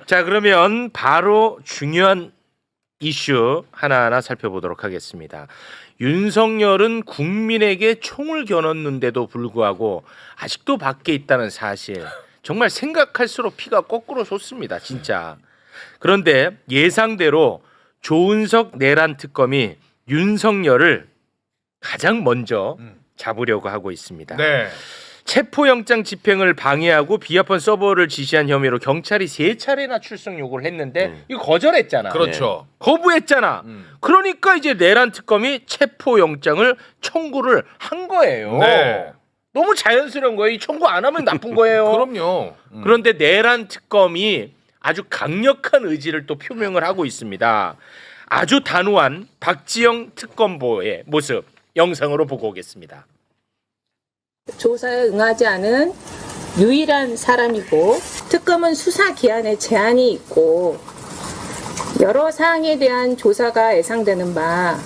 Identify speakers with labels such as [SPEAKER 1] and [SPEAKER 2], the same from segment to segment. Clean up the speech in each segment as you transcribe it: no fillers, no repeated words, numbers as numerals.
[SPEAKER 1] 자, 그러면 바로 중요한 이슈 하나하나 살펴보도록 하겠습니다. 윤석열은 국민에게 총을 겨눴는데도 불구하고 아직도 밖에 있다는 사실. 정말 생각할수록 피가 거꾸로 솟습니다. 진짜. 그런데 예상대로 조은석 내란 특검이 윤석열을 가장 먼저 잡으려고 하고 있습니다.
[SPEAKER 2] 네.
[SPEAKER 1] 체포영장 집행을 방해하고 비아폰 서버를 지시한 혐의로 경찰이 3차례나 출석 요구를 했는데 이거 거절했잖아.
[SPEAKER 2] 그렇죠.
[SPEAKER 1] 거부했잖아. 그러니까 이제 내란 특검이 체포영장을 청구를 한 거예요.
[SPEAKER 2] 네.
[SPEAKER 1] 너무 자연스러운 거예요. 이 청구 안 하면 나쁜 거예요.
[SPEAKER 2] 그럼요.
[SPEAKER 1] 그런데 내란 특검이 아주 강력한 의지를 또 표명을 하고 있습니다. 아주 단호한 박지영 특검보의 모습 영상으로 보고 오겠습니다.
[SPEAKER 3] 조사에 응하지 않은 유일한 사람이고 특검은 수사 기한에 제한이 있고 여러 사항에 대한 조사가 예상되는 바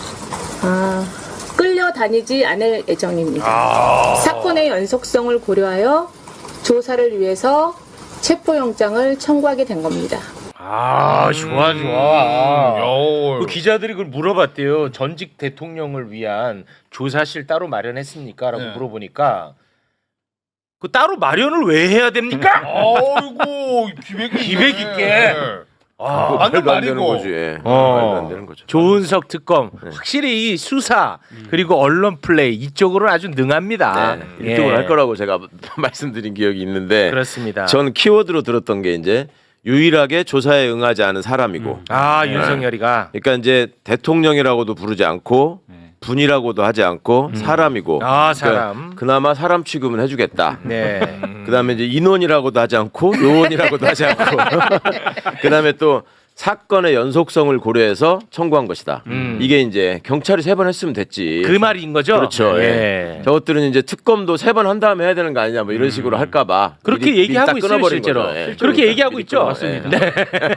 [SPEAKER 3] 끌려다니지 않을 예정입니다. 사건의 연속성을 고려하여 조사를 위해서 체포영장을 청구하게 된 겁니다.
[SPEAKER 1] 좋아. 그 기자들이 그걸 물어봤대요. 전직 대통령을 위한 조사실 따로 마련했습니까? 라고 물어보니까 그 따로 마련을 왜 해야 됩니까?
[SPEAKER 2] 아이고 기백 있게.
[SPEAKER 4] 말도 안 되는 거지. 말도 안 되는 거죠.
[SPEAKER 1] 조은석 특검 확실히 이 수사 그리고 언론 플레이 이쪽으로는 아주 능합니다.
[SPEAKER 4] 네, 이쪽으로 할 거라고 제가 말씀드린 기억이 있는데
[SPEAKER 1] 그렇습니다.
[SPEAKER 4] 전 키워드로 들었던 게 이제 유일하게 조사에 응하지 않은 사람이고
[SPEAKER 1] 윤석열이가
[SPEAKER 4] 그러니까 이제 대통령이라고도 부르지 않고 분이라고도 하지 않고 사람이고
[SPEAKER 1] 사람
[SPEAKER 4] 그나마 사람 취급은 해주겠다.
[SPEAKER 1] 네.
[SPEAKER 4] 그다음에 이제 인원이라고도 하지 않고 요원이라고도 하지 않고 그다음에 또 사건의 연속성을 고려해서 청구한 것이다. 이게 이제 경찰이 3번 했으면 됐지.
[SPEAKER 1] 그 말인 거죠?
[SPEAKER 4] 그렇죠.
[SPEAKER 1] 예.
[SPEAKER 4] 저것들은 이제 특검도 3번 한 다음에 해야 되는 거 아니냐 뭐 이런 식으로 할까봐
[SPEAKER 1] 그렇게
[SPEAKER 4] 미리
[SPEAKER 1] 얘기하고
[SPEAKER 4] 딱
[SPEAKER 1] 있어요,
[SPEAKER 4] 끊어버린
[SPEAKER 1] 실제로.
[SPEAKER 4] 거죠. 예.
[SPEAKER 1] 그렇게 얘기하고
[SPEAKER 4] 미리
[SPEAKER 1] 있죠.
[SPEAKER 4] 맞습니다.
[SPEAKER 1] 네.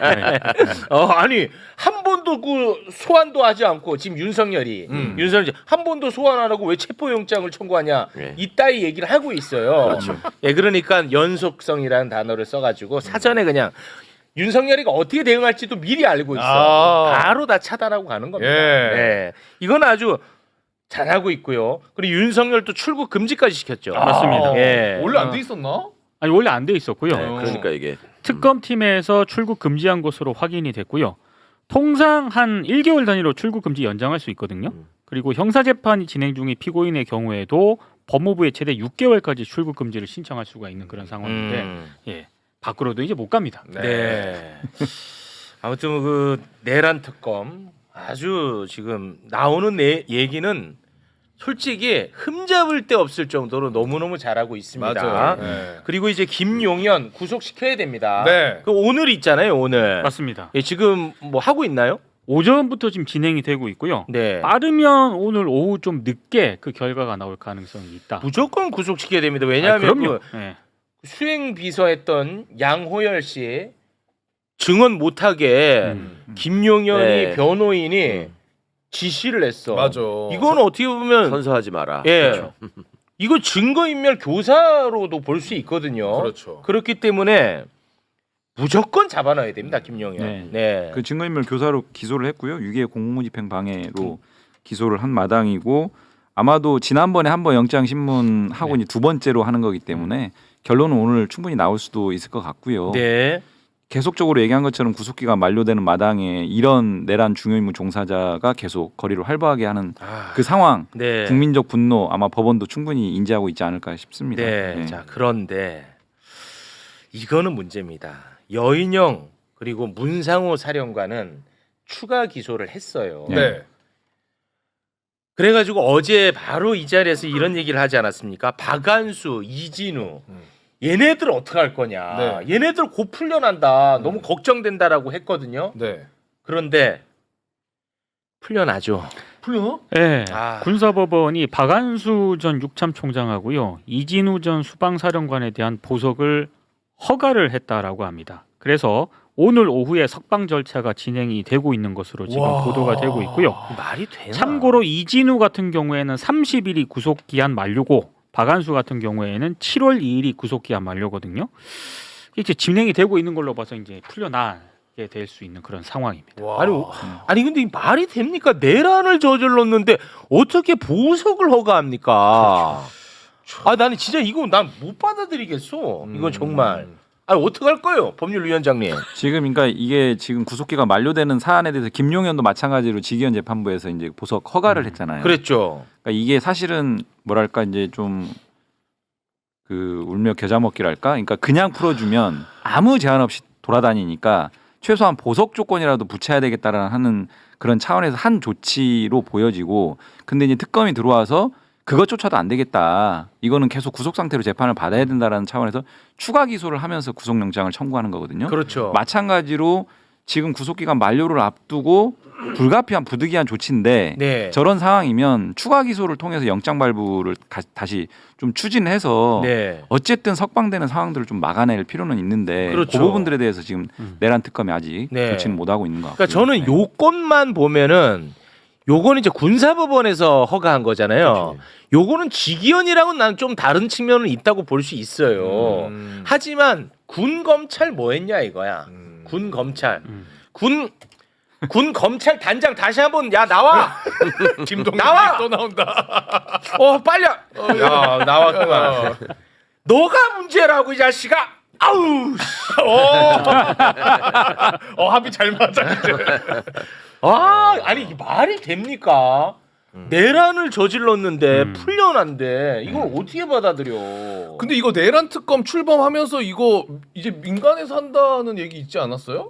[SPEAKER 1] 아니 한 번도 그 소환도 하지 않고 지금 윤석열이 한 번도 소환 안 하고 왜 체포영장을 청구하냐 이따위 얘기를 하고 있어요.
[SPEAKER 4] 그렇죠.
[SPEAKER 1] 예, 그러니까 연속성이라는 단어를 써가지고 사전에 그냥 윤석열이가 어떻게 대응할지도 미리 알고 있어. 바로 다 차단하고 가는 겁니다. 네. 이건 아주 잘하고 있고요. 그리고 윤석열도 출국 금지까지 시켰죠.
[SPEAKER 5] 맞습니다.
[SPEAKER 1] 예.
[SPEAKER 2] 원래 안 돼 있었나?
[SPEAKER 5] 아니 원래 안 돼 있었고요.
[SPEAKER 4] 네, 그러니까 이게
[SPEAKER 5] 특검팀에서 출국 금지한 것으로 확인이 됐고요. 통상 한 1개월 단위로 출국 금지 연장할 수 있거든요. 그리고 형사 재판이 진행 중인 피고인의 경우에도 법무부에 최대 6개월까지 출국 금지를 신청할 수가 있는 그런 상황인데 예. 밖으로도 이제 못 갑니다.
[SPEAKER 1] 네. 아무튼 그 내란 특검 아주 지금 나오는 얘기는 솔직히 흠잡을 데 없을 정도로 너무너무 잘하고 있습니다.
[SPEAKER 2] 맞아요. 네.
[SPEAKER 1] 그리고 이제 김용현 구속시켜야 됩니다.
[SPEAKER 2] 네.
[SPEAKER 1] 그 오늘 있잖아요, 오늘.
[SPEAKER 5] 맞습니다.
[SPEAKER 1] 예, 지금 뭐 하고 있나요?
[SPEAKER 5] 오전부터 지금 진행이 되고 있고요.
[SPEAKER 1] 네.
[SPEAKER 5] 빠르면 오늘 오후 좀 늦게 그 결과가 나올 가능성이 있다.
[SPEAKER 1] 무조건 구속시켜야 됩니다. 왜냐하면
[SPEAKER 5] 그럼요.
[SPEAKER 1] 그
[SPEAKER 5] 예.
[SPEAKER 1] 수행 비서했던 양호열 씨 증언 못하게 김용현이
[SPEAKER 4] 네.
[SPEAKER 1] 변호인이 지시를 했어.
[SPEAKER 2] 맞아.
[SPEAKER 1] 이건 어떻게 보면
[SPEAKER 4] 선서하지 마라.
[SPEAKER 1] 예.
[SPEAKER 4] 그렇죠.
[SPEAKER 1] 이거 증거인멸 교사로도 볼 수 있거든요.
[SPEAKER 2] 그렇죠.
[SPEAKER 1] 그렇기 때문에 무조건 잡아놔야 됩니다, 김용현.
[SPEAKER 5] 네.
[SPEAKER 1] 네.
[SPEAKER 6] 그 증거인멸 교사로 기소를 했고요. 유기의 공무집행 방해로 기소를 한 마당이고 아마도 지난번에 한 번 영장 신문 하고 이제 두 번째로 하는 거기 때문에 결론은 오늘 충분히 나올 수도 있을 것 같고요.
[SPEAKER 1] 네.
[SPEAKER 6] 계속적으로 얘기한 것처럼 구속기가 만료되는 마당에 이런 내란 중요임무 종사자가 계속 거리를 활보하게 하는 그 상황,
[SPEAKER 1] 네.
[SPEAKER 6] 국민적 분노 아마 법원도 충분히 인지하고 있지 않을까 싶습니다.
[SPEAKER 1] 네.
[SPEAKER 6] 네.
[SPEAKER 1] 자, 그런데 이거는 문제입니다. 여인영 그리고 문상호 사령관은 추가 기소를 했어요.
[SPEAKER 2] 네.
[SPEAKER 1] 그래가지고 어제 바로 이 자리에서 이런 얘기를 하지 않았습니까? 박한수, 이진우 얘네들 어떻게 할 거냐.
[SPEAKER 2] 네.
[SPEAKER 1] 얘네들 곧 풀려난다. 너무 걱정된다라고 했거든요.
[SPEAKER 2] 네.
[SPEAKER 1] 그런데 풀려나죠.
[SPEAKER 2] 풀려?
[SPEAKER 5] 네.
[SPEAKER 1] 아.
[SPEAKER 5] 군사법원이 박한수 전 육참총장하고요. 이진우 전 수방사령관에 대한 보석을 허가를 했다라고 합니다. 그래서 오늘 오후에 석방 절차가 진행이 되고 있는 것으로 지금 보도가 되고 있고요.
[SPEAKER 1] 말이 되나?
[SPEAKER 5] 참고로 이진우 같은 경우에는 30일이 구속기한 만료고 박한수 같은 경우에는 7월 2일이 구속기한 만료거든요. 이제 진행이 되고 있는 걸로 봐서 이제 풀려나게 될 수 있는 그런 상황입니다.
[SPEAKER 2] 와.
[SPEAKER 1] 아니 근데 이 말이 됩니까? 내란을 저질렀는데 어떻게 보석을 허가합니까? 아 나는 진짜 이거 난 못 받아들이겠어. 이건 정말. 아니 어떡할 거예요, 법률위원장님?
[SPEAKER 6] 지금 그러니까 이게 지금 구속기가 만료되는 사안에 대해서 김용현도 마찬가지로 직위원 재판부에서 이제 보석 허가를 했잖아요.
[SPEAKER 1] 그랬죠.
[SPEAKER 6] 그러니까 이게 사실은 뭐랄까 이제 좀 그 울며 겨자 먹기랄까? 그러니까 그냥 풀어주면 아무 제한 없이 돌아다니니까 최소한 보석 조건이라도 붙여야 되겠다라는 하는 그런 차원에서 한 조치로 보여지고, 근데 이제 특검이 들어와서 그것조차도 안 되겠다. 이거는 계속 구속 상태로 재판을 받아야 된다라는 차원에서 추가 기소를 하면서 구속영장을 청구하는 거거든요.
[SPEAKER 1] 그렇죠.
[SPEAKER 6] 마찬가지로 지금 구속기간 만료를 앞두고 불가피한 부득이한 조치인데
[SPEAKER 1] 네.
[SPEAKER 6] 저런 상황이면 추가 기소를 통해서 영장 발부를 다시 좀 추진해서
[SPEAKER 1] 네.
[SPEAKER 6] 어쨌든 석방되는 상황들을 좀 막아낼 필요는 있는데
[SPEAKER 1] 그렇죠.
[SPEAKER 6] 그 부분들에 대해서 지금 내란 특검이 아직
[SPEAKER 1] 네.
[SPEAKER 6] 조치는 못 하고 있는 것 같고요.
[SPEAKER 1] 그러니까 저는 요건만 보면은 요거는 이제 군사법원에서 허가한 거잖아요. 요거는 직위원이랑은 난 좀 다른 측면은 있다고 볼 수 있어요. 하지만 군 검찰 뭐 했냐 이거야. 군 검찰. 군 검찰 단장 다시 한번 야 나와.
[SPEAKER 2] 김동민
[SPEAKER 1] 나와!
[SPEAKER 2] 또 나온다.
[SPEAKER 1] 빨리. 야 나왔구만. 너가 문제라고 이 자식아. 아우.
[SPEAKER 2] 합이 잘 맞아.
[SPEAKER 1] 아니 이게 말이 됩니까? 내란을 저질렀는데 풀려난데 이걸 어떻게 받아들여?
[SPEAKER 2] 근데 이거 내란 특검 출범하면서 이거 이제 민간에서 한다는 얘기 있지 않았어요?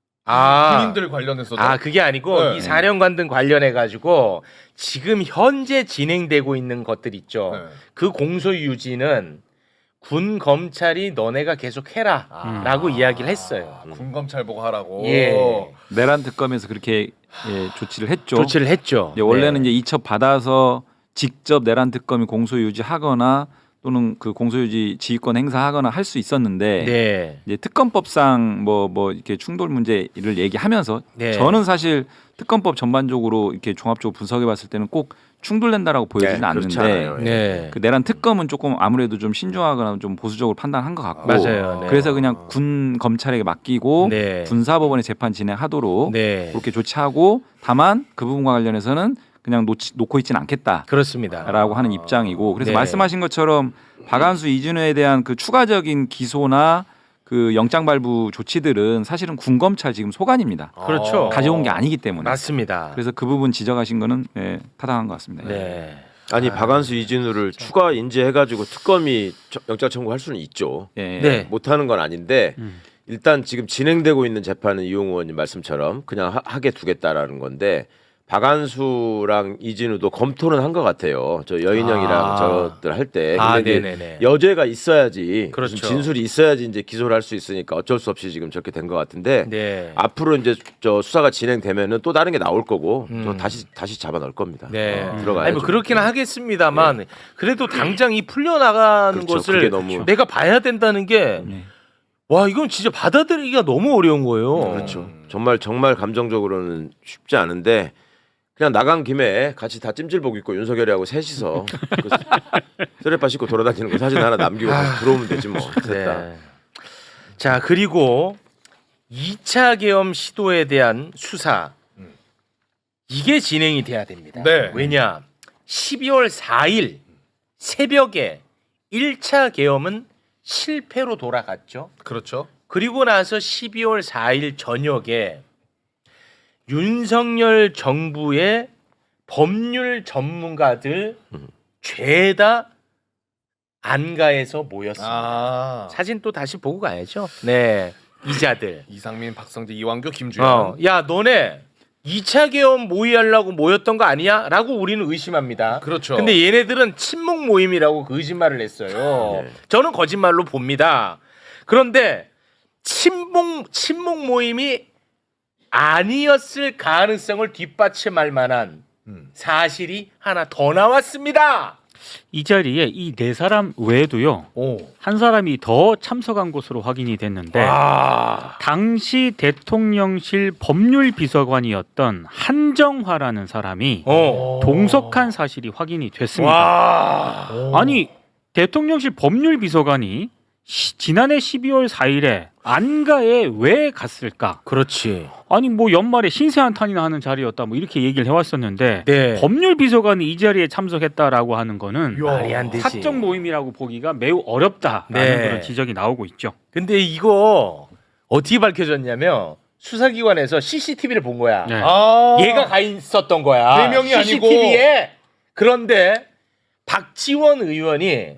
[SPEAKER 2] 군인들 관련해서도.
[SPEAKER 1] 그게 아니고
[SPEAKER 2] 네.
[SPEAKER 1] 이 사령관들 관련해 가지고 지금 현재 진행되고 있는 것들 있죠.
[SPEAKER 2] 네.
[SPEAKER 1] 그 공소 유지는 군 검찰이 너네가 계속 해라라고 이야기를 했어요.
[SPEAKER 2] 군 검찰 보고 하라고.
[SPEAKER 1] 예.
[SPEAKER 6] 내란 특검에서 그렇게 조치를 했죠.
[SPEAKER 1] 조치를 했죠.
[SPEAKER 6] 원래는
[SPEAKER 1] 네.
[SPEAKER 6] 이제 이첩 받아서 직접 내란 특검이 공소 유지하거나 또는 그 공소 유지 지휘권 행사하거나 할 수 있었는데
[SPEAKER 1] 네.
[SPEAKER 6] 이제 특검법상 뭐 이렇게 충돌 문제를 얘기하면서
[SPEAKER 1] 네.
[SPEAKER 6] 저는 사실 특검법 전반적으로 이렇게 종합적으로 분석해봤을 때는 꼭 충돌된다라고 보여지는
[SPEAKER 4] 네, 그렇지
[SPEAKER 6] 않는데
[SPEAKER 4] 않아요.
[SPEAKER 1] 네.
[SPEAKER 6] 그 내란 특검은 조금 아무래도 좀 신중하거나 좀 보수적으로 판단한 것 같고
[SPEAKER 1] 맞아요. 네.
[SPEAKER 6] 그래서 그냥 군 검찰에게 맡기고
[SPEAKER 1] 네.
[SPEAKER 6] 군사법원에 재판 진행하도록
[SPEAKER 1] 네.
[SPEAKER 6] 그렇게 조치하고 다만 그 부분과 관련해서는 그냥 놓고 있지는 않겠다라고
[SPEAKER 1] 그렇습니다.
[SPEAKER 6] 하는 입장이고 그래서
[SPEAKER 1] 네.
[SPEAKER 6] 말씀하신 것처럼 박한수 이준호에 대한 그 추가적인 기소나 그 영장 발부 조치들은 사실은 군 검찰 지금 소관입니다.
[SPEAKER 1] 그렇죠.
[SPEAKER 6] 가져온 게 아니기 때문에
[SPEAKER 1] 맞습니다.
[SPEAKER 6] 그래서 그 부분 지적하신 거는 타당한 것 같습니다.
[SPEAKER 1] 네.
[SPEAKER 4] 아니 박한수 이진우를 추가 인재해가지고 특검이 영장 청구할 수는 있죠.
[SPEAKER 6] 예.
[SPEAKER 1] 네.
[SPEAKER 4] 못하는 건 아닌데 일단 지금 진행되고 있는 재판은 이용우 의원님 말씀처럼 그냥 하게 두겠다라는 건데 박한수랑 이진우도 검토는 한 것 같아요. 저 여인영이랑 저들 할 때. 근데 이제
[SPEAKER 1] 네네네.
[SPEAKER 4] 여죄가 있어야지,
[SPEAKER 1] 그렇죠.
[SPEAKER 4] 무슨 진술이 있어야지 이제 기소를 할 수 있으니까 어쩔 수 없이 지금 저렇게 된 것 같은데
[SPEAKER 1] 네.
[SPEAKER 4] 앞으로 이제 저 수사가 진행되면은 또 다른 게 나올 거고 저 다시 잡아 넣을 겁니다.
[SPEAKER 1] 네.
[SPEAKER 4] 들어가야죠.
[SPEAKER 1] 아니 뭐 그렇기는 하겠습니다만 그래도 당장 이 풀려나가는
[SPEAKER 4] 그렇죠.
[SPEAKER 1] 것을
[SPEAKER 4] 그게 너무-
[SPEAKER 1] 내가 봐야 된다는 게 와 이건 진짜 받아들이기가 너무 어려운 거예요.
[SPEAKER 4] 그렇죠. 정말 감정적으로는 쉽지 않은데 그냥 나간 김에 같이 다 찜질복 입고 윤석열이하고 셋이서 그 쓰레빠 씻고 돌아다니는 거 사진 하나 남기고 다시 들어오면 되지 뭐. 됐다.
[SPEAKER 1] 네. 자 그리고 2차 계엄 시도에 대한 수사 이게 진행이 돼야 됩니다.
[SPEAKER 2] 네.
[SPEAKER 1] 왜냐 12월 4일 새벽에 1차 계엄은 실패로 돌아갔죠.
[SPEAKER 2] 그렇죠.
[SPEAKER 1] 그리고 나서 12월 4일 저녁에 윤석열 정부의 법률 전문가들 죄다 안가에서 모였습니다. 사진 또 다시 보고 가야죠. 네, 이자들.
[SPEAKER 2] 이상민, 박성재, 이완규, 김주현.
[SPEAKER 1] 야, 너네 2차 계엄 모의하려고 모였던 거 아니야? 라고 우리는 의심합니다.
[SPEAKER 2] 그렇죠.
[SPEAKER 1] 근데 얘네들은 친목 모임이라고 거짓말을 했어요.
[SPEAKER 4] 네.
[SPEAKER 1] 저는 거짓말로 봅니다. 그런데 친목 모임이 아니었을 가능성을 뒷받침할 만한 사실이 하나 더 나왔습니다.
[SPEAKER 5] 이 자리에 이 네 사람 외에도요 한 사람이 더 참석한 것으로 확인이 됐는데 당시 대통령실 법률비서관이었던 한정화라는 사람이 동석한 사실이 확인이 됐습니다. 아니 대통령실 법률비서관이 지난해 12월 4일에 안가에 왜 갔을까?
[SPEAKER 1] 그렇지.
[SPEAKER 5] 아니 뭐 연말에 신세 한탄이나 하는 자리였다 뭐 이렇게 얘기를 해왔었는데
[SPEAKER 1] 네.
[SPEAKER 5] 법률 비서관이 이 자리에 참석했다라고 하는 거는
[SPEAKER 1] 말이 안 되지.
[SPEAKER 5] 사적 모임이라고 보기가 매우 어렵다라는
[SPEAKER 1] 네.
[SPEAKER 5] 그런 지적이 나오고 있죠.
[SPEAKER 1] 근데 이거 어떻게 밝혀졌냐면 수사기관에서 CCTV를 본 거야.
[SPEAKER 5] 네.
[SPEAKER 1] 얘가 가 있었던 거야.
[SPEAKER 2] 네 명이 아니고.
[SPEAKER 1] CCTV에. 그런데 박지원 의원이
[SPEAKER 2] 네.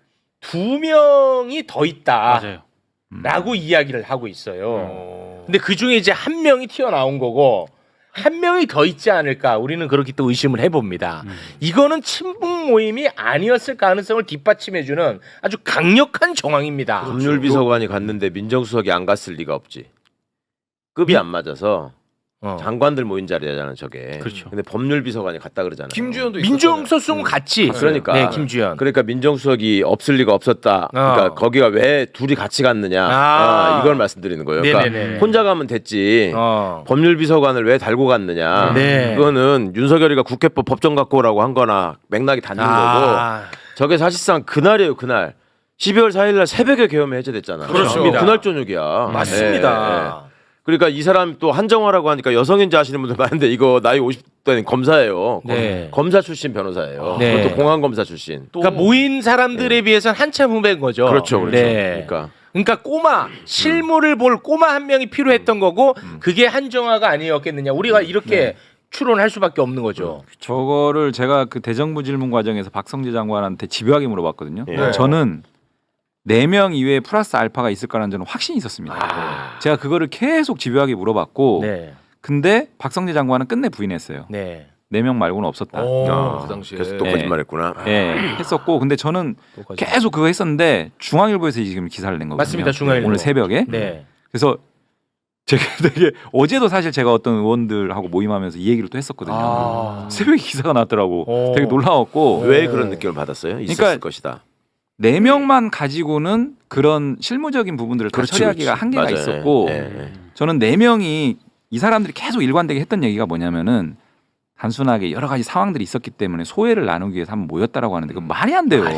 [SPEAKER 1] 2명이 더 있다.
[SPEAKER 5] 맞아요.
[SPEAKER 1] 라고 이야기를 하고 있어요. 근데 그 중에 이제 한 명이 튀어나온 거고 한 명이 더 있지 않을까 우리는 그렇게 또 의심을 해봅니다. 이거는 친북 모임이 아니었을 가능성을 뒷받침해주는 아주 강력한 정황입니다.
[SPEAKER 4] 법률비서관이 갔는데 민정수석이 안 갔을 리가 없지. 급이 안 맞아서 장관들 모인 자리잖아 저게.
[SPEAKER 5] 그렇죠.
[SPEAKER 4] 근데 법률비서관이 갔다 그러잖아요.
[SPEAKER 2] 김주현도
[SPEAKER 1] 민정수석은 같이.
[SPEAKER 4] 그러니까.
[SPEAKER 1] 네, 김주현.
[SPEAKER 4] 그러니까 민정수석이 없을 리가 없었다. 그러니까 거기가 왜 둘이 같이 갔느냐. 이걸 말씀드리는 거예요. 그러니까
[SPEAKER 1] 네네네.
[SPEAKER 4] 혼자 가면 됐지. 법률비서관을 왜 달고 갔느냐.
[SPEAKER 1] 네.
[SPEAKER 4] 그거는 윤석열이가 국회법 법정 갖고 오라고 한 거나 맥락이 닿는 거고. 저게 사실상 그날이에요. 그날. 12월 4일 날 새벽에 계엄이 해제됐잖아.
[SPEAKER 1] 그렇습니다.
[SPEAKER 4] 그날 저녁이야.
[SPEAKER 1] 맞습니다.
[SPEAKER 4] 네. 그러니까 이 사람 또 한정화라고 하니까 여성인지 아시는 분들 많은데 이거 나이 50대는 검사예요.
[SPEAKER 1] 네.
[SPEAKER 4] 검사 출신 변호사예요.
[SPEAKER 1] 네.
[SPEAKER 4] 그것도 공안검사 출신.
[SPEAKER 1] 그러니까 모인 사람들에 비해서는 한참 후배인 거죠.
[SPEAKER 4] 그렇죠. 그렇죠.
[SPEAKER 1] 네. 그러니까 꼬마 실물을 볼 꼬마 한 명이 필요했던 거고 그게 한정화가 아니었겠느냐. 우리가 이렇게 추론할 수밖에 없는 거죠.
[SPEAKER 6] 저거를 제가 그 대정부 질문 과정에서 박성재 장관한테 집요하게 물어봤거든요.
[SPEAKER 4] 네.
[SPEAKER 6] 저는 4명 이외에 플러스 알파가 있을 거라는 저는 확신이 있었습니다. 제가 그거를 계속 집요하게 물어봤고
[SPEAKER 1] 네.
[SPEAKER 6] 근데 박성재 장관은 끝내 부인했어요.
[SPEAKER 1] 네.
[SPEAKER 6] 4명 말고는 없었다.
[SPEAKER 2] 그 당시에.
[SPEAKER 4] 그래서 또 거짓말했구나.
[SPEAKER 6] 예, 했었고 근데 저는 계속 그거 했었는데 중앙일보에서 지금 기사를 낸 거거든요.
[SPEAKER 1] 맞습니다. 중앙일보.
[SPEAKER 6] 오늘 새벽에.
[SPEAKER 1] 네.
[SPEAKER 6] 그래서 제가 되게 어제도 사실 제가 어떤 의원들하고 모임하면서 이 얘기를 또 했었거든요. 새벽에 기사가 났더라고. 되게 놀라웠고
[SPEAKER 4] 왜 그런 느낌을 받았어요? 있었을
[SPEAKER 6] 그러니까
[SPEAKER 4] 것이다.
[SPEAKER 6] 4명만 가지고는 그런 실무적인 부분들을 다
[SPEAKER 4] 그렇지,
[SPEAKER 6] 처리하기가
[SPEAKER 4] 그렇지.
[SPEAKER 6] 한계가
[SPEAKER 4] 맞아요.
[SPEAKER 6] 있었고
[SPEAKER 4] 네.
[SPEAKER 6] 저는 4명이 이 사람들이 계속 일관되게 했던 얘기가 뭐냐면은 단순하게 여러 가지 상황들이 있었기 때문에 소외를 나누기 위해서 한번 모였다라고 하는데 그 말이 안 돼요.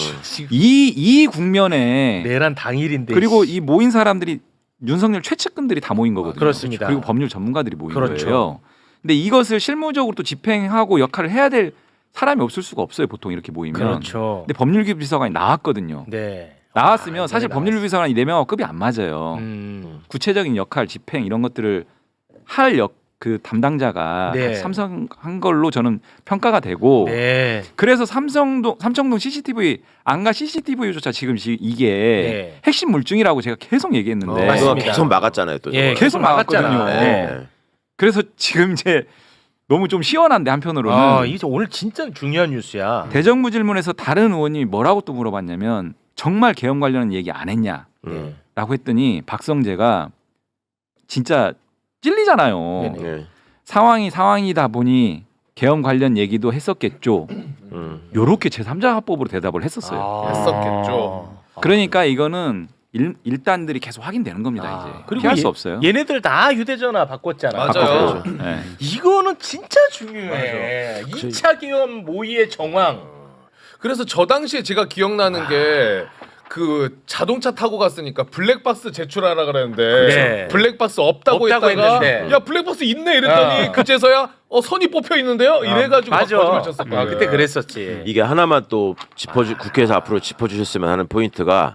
[SPEAKER 6] 이 국면에
[SPEAKER 1] 내란 당일인데.
[SPEAKER 6] 그리고 이 모인 사람들이 윤석열 최측근들이 다 모인 거거든요.
[SPEAKER 1] 그렇습니다.
[SPEAKER 6] 그리고 법률 전문가들이 모인
[SPEAKER 1] 그렇죠.
[SPEAKER 6] 거예요. 근데 이것을 실무적으로 또 집행하고 역할을 해야 될 사람이 없을 수가 없어요. 보통 이렇게 모이면.
[SPEAKER 1] 그렇죠.
[SPEAKER 6] 근데 법률비서관이 나왔거든요.
[SPEAKER 1] 네.
[SPEAKER 6] 나왔으면
[SPEAKER 1] 아,
[SPEAKER 6] 사실
[SPEAKER 1] 이번에
[SPEAKER 6] 법률비서관이 4명하고 급이 안 맞아요. 구체적인 역할, 집행 이런 것들을 할 그 담당자가
[SPEAKER 1] 네.
[SPEAKER 6] 같이 참석한 걸로 저는 평가가 되고
[SPEAKER 1] 네.
[SPEAKER 6] 그래서 삼청동 CCTV 안가 CCTV조차 지금 이게
[SPEAKER 1] 네.
[SPEAKER 6] 핵심 물증이라고 제가 계속 얘기했는데
[SPEAKER 4] 그거
[SPEAKER 1] 맞습니다.
[SPEAKER 4] 계속 막았잖아요. 또
[SPEAKER 1] 예,
[SPEAKER 4] 저거.
[SPEAKER 6] 계속
[SPEAKER 1] 막았잖아.
[SPEAKER 6] 막았거든요.
[SPEAKER 4] 네.
[SPEAKER 6] 그래서 지금 이제 너무 좀 시원한데 한편으로는
[SPEAKER 1] 아, 이게 오늘 진짜 중요한 뉴스야.
[SPEAKER 6] 대정부 질문에서 다른 의원이 뭐라고 또 물어봤냐면 정말 계엄 관련 얘기 안 했냐라고 했더니 박성재가 진짜 찔리잖아요.
[SPEAKER 4] 네.
[SPEAKER 6] 상황이다 보니 계엄 관련 얘기도 했었겠죠. 요렇게 제3자 합법으로 대답을 했었어요.
[SPEAKER 2] 했었겠죠.
[SPEAKER 6] 그러니까 이거는 일단들이 계속 확인되는 겁니다. 이제
[SPEAKER 1] 그리고
[SPEAKER 6] 피할 수 없어요.
[SPEAKER 1] 얘네들 다 휴대전화 바꿨잖아.
[SPEAKER 2] 맞아요.
[SPEAKER 6] 네.
[SPEAKER 1] 이거는 진짜 중요해. 2차 계엄 모의의 정황.
[SPEAKER 2] 그래서 저 당시에 제가 기억나는 게 그 자동차 타고 갔으니까 블랙박스 제출하라 그랬는데
[SPEAKER 1] 네.
[SPEAKER 2] 블랙박스 없다고
[SPEAKER 1] 없다고
[SPEAKER 2] 했다가
[SPEAKER 1] 했는데.
[SPEAKER 2] 야 블랙박스 있네 이랬더니 그제서야 선이 뽑혀 있는데요 이래가지고 막
[SPEAKER 1] 맞아.
[SPEAKER 2] 거짓말 쳤었거든요.
[SPEAKER 1] 아, 그때 그랬었지.
[SPEAKER 4] 이게 하나만 또 국회에서 앞으로 짚어주셨으면 하는 포인트가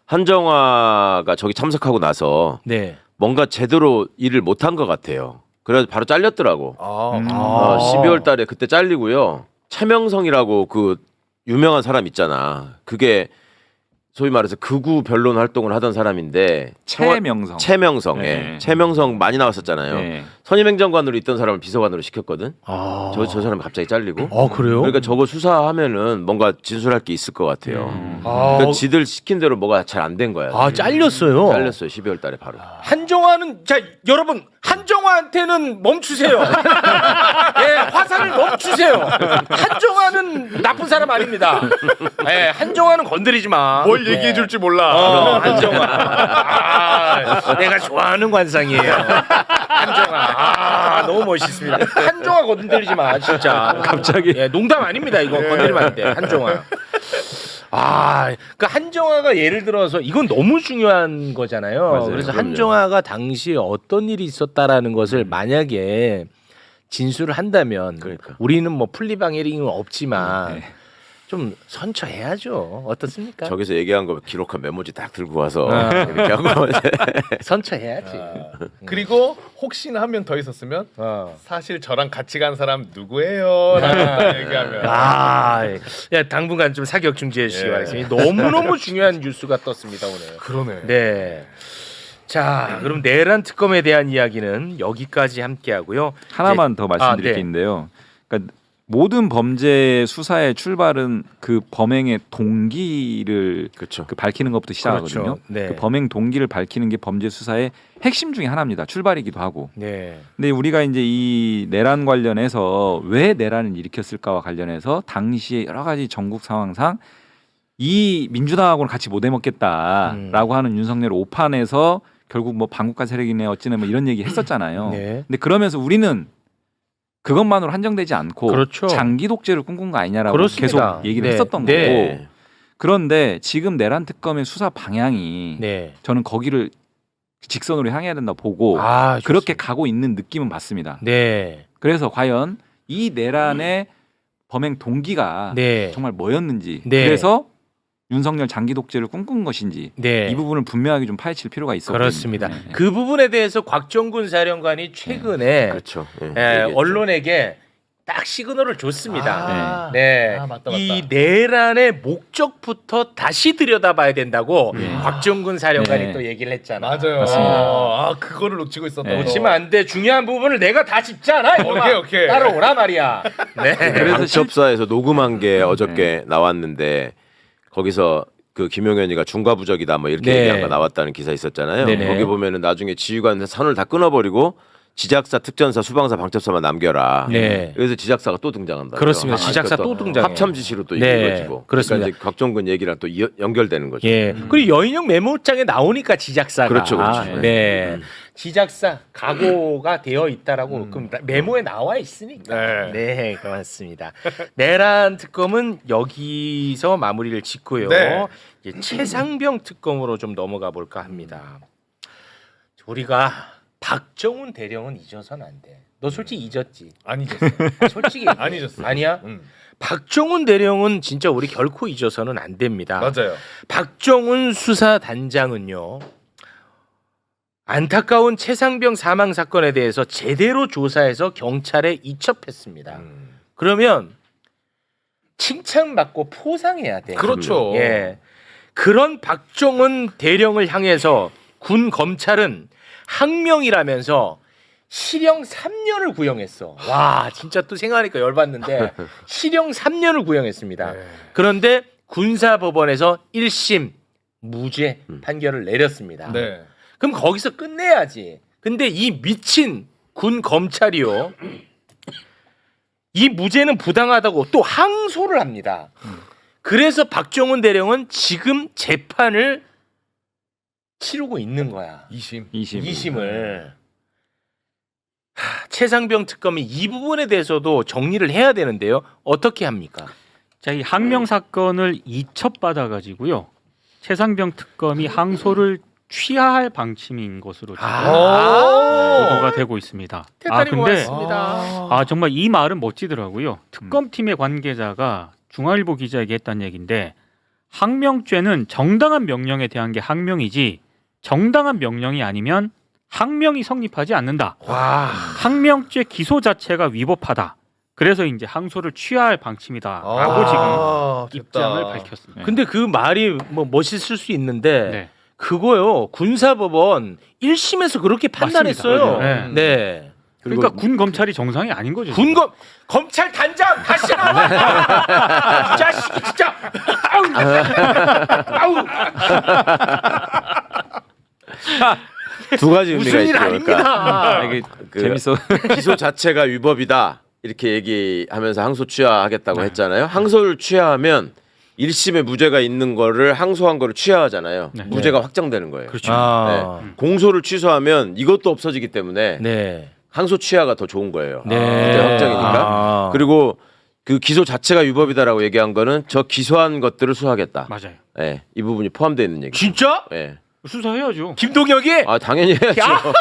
[SPEAKER 4] 한정화가 저기 참석하고 나서
[SPEAKER 1] 네.
[SPEAKER 4] 뭔가 제대로 일을 못한 것 같아요. 그래서 바로 잘렸더라고. 12월 달에 그때 잘리고요. 최명성이라고 그 유명한 사람 있잖아. 그게 소위 말해서 극우 변론 활동을 하던 사람인데 최명성.
[SPEAKER 6] 네.
[SPEAKER 4] 예. 최명성 많이 나왔었잖아요.
[SPEAKER 6] 네.
[SPEAKER 4] 선임행정관으로 있던 사람을 비서관으로 시켰거든. 저 사람이 갑자기 잘리고.
[SPEAKER 1] 그래요?
[SPEAKER 4] 그러니까 저거 수사하면은 뭔가 진술할 게 있을 것 같아요. 그러니까 지들 시킨 대로 뭐가 잘 안 된 거야.
[SPEAKER 1] 잘렸어요.
[SPEAKER 4] 잘렸어요. 12월 달에 바로.
[SPEAKER 1] 한정화는 자 여러분 한정화한테는 멈추세요. 예, 화살을 멈추세요. 한정화는 나쁜 사람 아닙니다. 예, 한정화는 건드리지 마.
[SPEAKER 2] 뭘 얘기해 줄지 몰라.
[SPEAKER 1] 한정화. 내가 좋아하는 관상이에요. 한정화. 너무 멋있습니다. 한정화 건드리지 마, 진짜.
[SPEAKER 6] 갑자기
[SPEAKER 1] 예, 농담 아닙니다. 이거 건드리면 안 돼. 한정화. 그러니까 한정화가 예를 들어서 이건 너무 중요한 거잖아요.
[SPEAKER 4] 맞아요.
[SPEAKER 1] 그래서
[SPEAKER 4] 그럼요.
[SPEAKER 1] 한정화가 당시에 어떤 일이 있었다라는 것을 만약에 진술을 한다면
[SPEAKER 4] 그러니까.
[SPEAKER 1] 우리는 뭐 플리방해링은 없지만
[SPEAKER 6] 네.
[SPEAKER 1] 좀 선처해야죠. 어떻습니까?
[SPEAKER 4] 저기서 얘기한 거 기록한 메모지 딱 들고 와서
[SPEAKER 1] 아.
[SPEAKER 4] 이렇게 하고
[SPEAKER 1] 선처해야지.
[SPEAKER 2] 그리고 혹시나 한 명 더 있었으면
[SPEAKER 1] 어.
[SPEAKER 2] 사실 저랑 같이 간 사람 누구예요? 라고 얘기하면
[SPEAKER 1] 야, 당분간 좀 사격 중지해 주시기
[SPEAKER 2] 예.
[SPEAKER 1] 바라겠습니다. 너무너무 중요한 뉴스가 떴습니다, 오늘.
[SPEAKER 2] 그러네.
[SPEAKER 1] 네. 자, 그럼 내란 특검에 대한 이야기는 여기까지 함께 하고요.
[SPEAKER 6] 하나만 더 말씀드릴
[SPEAKER 1] 네.
[SPEAKER 6] 게 있는데요. 그러니까 모든 범죄 수사의 출발은 그 범행의 동기를
[SPEAKER 4] 그렇죠.
[SPEAKER 6] 그 밝히는 것부터 시작하거든요.
[SPEAKER 1] 그렇죠. 네.
[SPEAKER 6] 그 범행 동기를 밝히는 게 범죄 수사의 핵심 중에 하나입니다. 출발이기도 하고.
[SPEAKER 1] 네.
[SPEAKER 6] 근데 우리가 이제 이 내란 관련해서 왜 내란을 일으켰을까와 관련해서 당시에 여러 가지 전국 상황상 이 민주당하고는 같이 못 해먹겠다라고 하는 윤석열 오판에서 결국 뭐 반국가 세력이네 어찌네 뭐 이런 얘기 했었잖아요.
[SPEAKER 1] 네.
[SPEAKER 6] 근데 그러면서 우리는 그것만으로 한정되지 않고
[SPEAKER 1] 그렇죠.
[SPEAKER 6] 장기 독재를 꿈꾼 거 아니냐라고
[SPEAKER 1] 그렇습니다.
[SPEAKER 6] 계속 얘기를
[SPEAKER 1] 네.
[SPEAKER 6] 했었던
[SPEAKER 1] 네.
[SPEAKER 6] 거고. 그런데 지금 내란 특검의 수사 방향이
[SPEAKER 1] 네.
[SPEAKER 6] 저는 거기를 직선으로 향해야 된다 보고
[SPEAKER 1] 아,
[SPEAKER 6] 그렇게
[SPEAKER 1] 좋습니다.
[SPEAKER 6] 가고 있는 느낌은 받습니다.
[SPEAKER 1] 네.
[SPEAKER 6] 그래서 과연 이 내란의 범행 동기가
[SPEAKER 1] 네.
[SPEAKER 6] 정말 뭐였는지
[SPEAKER 1] 네.
[SPEAKER 6] 그래서 윤석열 장기 독재를 꿈꾼 것인지
[SPEAKER 1] 네.
[SPEAKER 6] 이 부분을 분명하게 좀 파헤칠 필요가 있었거든요.
[SPEAKER 1] 그렇습니다.
[SPEAKER 6] 네.
[SPEAKER 1] 그 부분에 대해서 곽정군 사령관이 최근에
[SPEAKER 4] 그렇죠. 예,
[SPEAKER 1] 예,
[SPEAKER 4] 얘기했죠.
[SPEAKER 1] 언론에게 딱 시그널을 줬습니다.
[SPEAKER 2] 아,
[SPEAKER 1] 네,
[SPEAKER 2] 맞다.
[SPEAKER 1] 이 내란의 목적부터 다시 들여다봐야 된다고
[SPEAKER 6] 네.
[SPEAKER 1] 곽정군 사령관이
[SPEAKER 6] 네.
[SPEAKER 1] 또 얘기를 했잖아.
[SPEAKER 2] 맞아요.
[SPEAKER 6] 맞습니다.
[SPEAKER 2] 그거를 놓치고 있었다고.
[SPEAKER 6] 네.
[SPEAKER 1] 놓치면 안 돼. 중요한 부분을 내가 다 짚잖아. 이놈아.
[SPEAKER 2] 오케이.
[SPEAKER 1] 따라오라 말이야. 네.
[SPEAKER 6] 그래서
[SPEAKER 4] 방첩사에서 녹음한 게 어저께 나왔는데 거기서 그 김용현이가 중과부적이다 뭐 이렇게
[SPEAKER 1] 네.
[SPEAKER 4] 얘기한 거 나왔다는 기사 있었잖아요.
[SPEAKER 1] 네네.
[SPEAKER 4] 거기 보면은 나중에 지휘관 선을 다 끊어버리고 지작사, 특전사, 수방사, 방첩사만 남겨라.
[SPEAKER 1] 네.
[SPEAKER 4] 그래서 지작사가 또 등장한다.
[SPEAKER 1] 그렇습니다. 지작사 또 등장해요.
[SPEAKER 4] 합참 지시로 또
[SPEAKER 1] 네,
[SPEAKER 4] 이루어지고.
[SPEAKER 1] 그렇습니다.
[SPEAKER 4] 그러니까 이제 곽정근 얘기랑 또 연결되는 거죠.
[SPEAKER 1] 예. 그리고 여인형 메모장에 나오니까 지작사가.
[SPEAKER 4] 그렇죠, 그렇죠.
[SPEAKER 1] 네. 지작사 각오가 되어 있다라고 그럼 메모에 나와 있으니까.
[SPEAKER 2] 네.
[SPEAKER 1] 네, 고맙습니다. 내란 특검은 여기서 마무리를 짓고요.
[SPEAKER 2] 네.
[SPEAKER 1] 이제 최상병 특검으로 좀 넘어가 볼까 합니다. 우리가 박정훈 대령은 잊어서는 안 돼. 너 솔직히 잊었지?
[SPEAKER 2] 안 잊었어.
[SPEAKER 1] 솔직히
[SPEAKER 2] 안 잊었어.
[SPEAKER 1] 아니야? 박정훈 대령은 진짜 우리 결코 잊어서는 안 됩니다.
[SPEAKER 2] 맞아요.
[SPEAKER 1] 박정훈 수사단장은요. 안타까운 최상병 사망 사건에 대해서 제대로 조사해서 경찰에 이첩했습니다. 그러면 칭찬받고 포상해야 돼.
[SPEAKER 2] 그렇죠.
[SPEAKER 1] 예. 그런 박정훈 대령을 향해서 군 검찰은 항명이라면서 실형 3년을 구형했어. 와, 진짜 또 생각하니까 열받는데 실형 3년을 구형했습니다.
[SPEAKER 2] 네.
[SPEAKER 1] 그런데 군사법원에서 1심 무죄 판결을 내렸습니다.
[SPEAKER 2] 네.
[SPEAKER 1] 그럼 거기서 끝내야지. 근데 이 미친 군 검찰이요. 이 무죄는 부당하다고 또 항소를 합니다. 그래서 박정훈 대령은 지금 재판을 치르고 있는 거야.
[SPEAKER 2] 2심.
[SPEAKER 1] 2심을. 최상병 특검이 이 부분에 대해서도 정리를 해야 되는데요. 어떻게 합니까?
[SPEAKER 5] 자, 이 항명 사건을 이첩받아 가지고요. 최상병 특검이 항소를 취하할 방침인 것으로 지금 보도가 되고 있습니다.
[SPEAKER 1] 대단히
[SPEAKER 5] 근데
[SPEAKER 1] 고맙습니다.
[SPEAKER 5] 정말 이 말은 멋지더라고요. 특검팀의 관계자가 중앙일보 기자에게 했다는 얘기인데 항명죄는 정당한 명령에 대한 게 항명이지 정당한 명령이 아니면 항명이 성립하지 않는다.
[SPEAKER 1] 와.
[SPEAKER 5] 항명죄 기소 자체가 위법하다. 그래서 이제 항소를 취하할 방침이다라고 지금 입장을 밝혔습니다.
[SPEAKER 1] 근데 그 말이 뭐 멋있을 수 있는데
[SPEAKER 5] 네.
[SPEAKER 1] 그거요. 군사법원 1심에서 그렇게 판단했어요.
[SPEAKER 5] 맞습니다.
[SPEAKER 1] 네.
[SPEAKER 5] 그러니까 군 검찰이 정상이 아닌 거죠.
[SPEAKER 1] 군검 검찰 단장 다시 나와. 이 자식이 진짜. 아우.
[SPEAKER 4] 두 가지 의미가
[SPEAKER 1] 무슨 일
[SPEAKER 4] 있죠.
[SPEAKER 1] 아닙니다.
[SPEAKER 6] 이게
[SPEAKER 4] 그
[SPEAKER 6] 재밌어.
[SPEAKER 4] 기소 자체가 위법이다 이렇게 얘기하면서 항소 취하하겠다고 했잖아요. 항소를 취하하면 1심에 무죄가 있는 거를 항소한 거를 취하하잖아요.
[SPEAKER 5] 네.
[SPEAKER 4] 무죄가 확정되는 거예요.
[SPEAKER 5] 그렇죠.
[SPEAKER 4] 네. 공소를 취소하면 이것도 없어지기 때문에
[SPEAKER 1] 네.
[SPEAKER 4] 항소 취하가 더 좋은 거예요.
[SPEAKER 1] 네.
[SPEAKER 4] 무죄 확정이니까. 그리고 그 기소 자체가 위법이다라고 얘기한 거는 저 기소한 것들을 수사하겠다.
[SPEAKER 5] 맞아요.
[SPEAKER 4] 예, 이 부분이 포함되어 있는 얘기.
[SPEAKER 1] 진짜?
[SPEAKER 4] 예.
[SPEAKER 5] 수사해야죠.
[SPEAKER 1] 김동혁이?
[SPEAKER 4] 아 당연히 해야죠.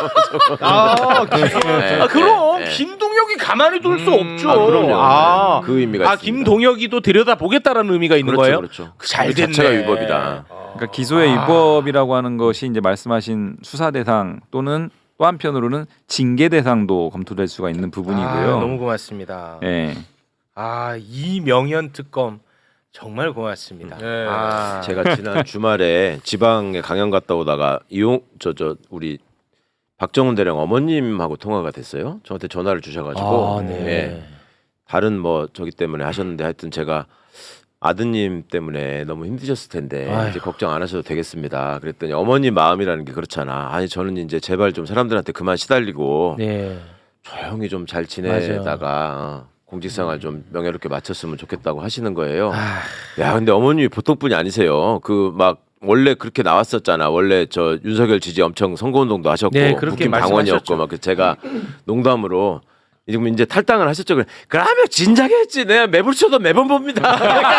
[SPEAKER 4] 예,
[SPEAKER 1] 그럼
[SPEAKER 4] 예, 예.
[SPEAKER 1] 김동혁이 가만히 둘 수 없죠.
[SPEAKER 4] 아, 그럼요.
[SPEAKER 1] 아,
[SPEAKER 4] 그 의미가 있습니다.
[SPEAKER 1] 김동혁이도 들여다 보겠다라는 의미가 있는
[SPEAKER 4] 그렇죠,
[SPEAKER 1] 거예요.
[SPEAKER 4] 그렇죠.
[SPEAKER 1] 잘
[SPEAKER 4] 그
[SPEAKER 1] 됐네.
[SPEAKER 4] 자체가 위법이다.
[SPEAKER 6] 그러니까 기소의 위법이라고 하는 것이 이제 말씀하신 수사 대상 또는 또 한편으로는 징계 대상도 검토될 수가 있는 부분이고요.
[SPEAKER 1] 아, 너무 고맙습니다.
[SPEAKER 6] 예.
[SPEAKER 1] 아, 이명현 특검 정말 고맙습니다.
[SPEAKER 2] 네.
[SPEAKER 1] 아,
[SPEAKER 4] 제가 지난 주말에 지방에 강연 갔다 오다가 우리 박정훈 대령 어머님하고 통화가 됐어요. 저한테 전화를 주셔가지고
[SPEAKER 1] 아, 네.
[SPEAKER 4] 예. 다른 뭐 저기 때문에 하셨는데 하여튼 제가 아드님 때문에 너무 힘드셨을 텐데
[SPEAKER 1] 아휴.
[SPEAKER 4] 이제 걱정 안 하셔도 되겠습니다. 그랬더니 어머니 마음이라는 게 그렇잖아. 아니 저는 이제 제발 좀 사람들한테 그만 시달리고
[SPEAKER 1] 네.
[SPEAKER 4] 조용히 좀 잘 지내다가 공직생활 좀 명예롭게 마쳤으면 좋겠다고 하시는 거예요. 야 근데 어머님이 보통 분이 아니세요. 그 막 원래 그렇게 나왔었잖아. 원래 저 윤석열 지지 엄청 선거운동도 하셨고
[SPEAKER 1] 네, 그렇게
[SPEAKER 4] 국힘 당원이었고
[SPEAKER 1] 말씀하셨죠.
[SPEAKER 4] 막 제가 농담으로 지금 이제 탈당을 하셨죠. 그러면 진작에 했지. 내가 매불 쳐도 매번 봅니다.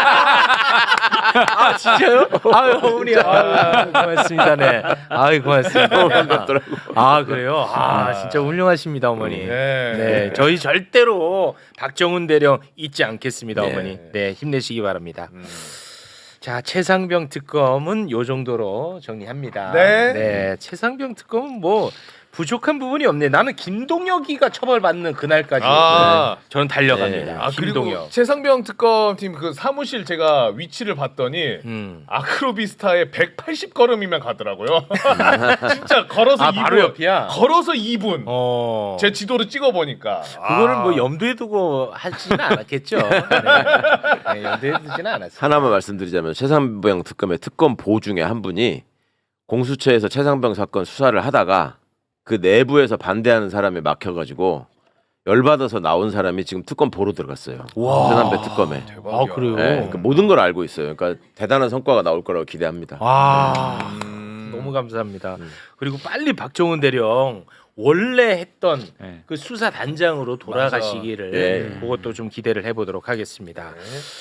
[SPEAKER 1] 아, 진짜요? 아유, 어머니. 아유, 고맙습니다. 네. 아유, 고맙습니다.
[SPEAKER 4] 반갑더라고.
[SPEAKER 1] 아, 그래요? 아, 진짜 훌륭하십니다, 어머니. 네. 저희 절대로 박정훈 대령 잊지 않겠습니다,
[SPEAKER 4] 네.
[SPEAKER 1] 어머니. 네, 힘내시기 바랍니다. 자, 최상병 특검은 요 정도로 정리합니다.
[SPEAKER 2] 네.
[SPEAKER 1] 최상병 특검은 뭐 부족한 부분이 없네. 나는 김동혁이가 처벌받는 그날까지
[SPEAKER 2] 아.
[SPEAKER 1] 저는 달려갑니다.
[SPEAKER 4] 네.
[SPEAKER 2] 아 그리고
[SPEAKER 1] 김동혁.
[SPEAKER 2] 최상병 특검팀 그 사무실 제가 위치를 봤더니 아크로비스타에 180걸음이면 가더라고요. 진짜 걸어서
[SPEAKER 1] 아,
[SPEAKER 2] 2분.
[SPEAKER 1] 바로 옆이야.
[SPEAKER 2] 걸어서 2분.
[SPEAKER 1] 어.
[SPEAKER 2] 제 지도를 찍어 보니까
[SPEAKER 1] 그거를 뭐 염두에 두고 하지는 않았겠죠. 네, 염두에 두지는 않았어요.
[SPEAKER 4] 하나만 말씀드리자면 최상병 특검의 특검 보 중에 한 분이 공수처에서 최상병 사건 수사를 하다가 그 내부에서 반대하는 사람에 막혀가지고 열받아서 나온 사람이 지금 특검 보러 들어갔어요. 최상병 특검에.
[SPEAKER 1] 아, 그래요?
[SPEAKER 4] 네, 그러니까 모든 걸 알고 있어요. 그러니까 대단한 성과가 나올 거라고 기대합니다.
[SPEAKER 1] 와, 너무 감사합니다. 그리고 빨리 박정훈 대령 원래 했던
[SPEAKER 6] 네.
[SPEAKER 1] 그 수사 단장으로 돌아가시기를
[SPEAKER 4] 네.
[SPEAKER 1] 그것도 좀 기대를 해보도록 하겠습니다.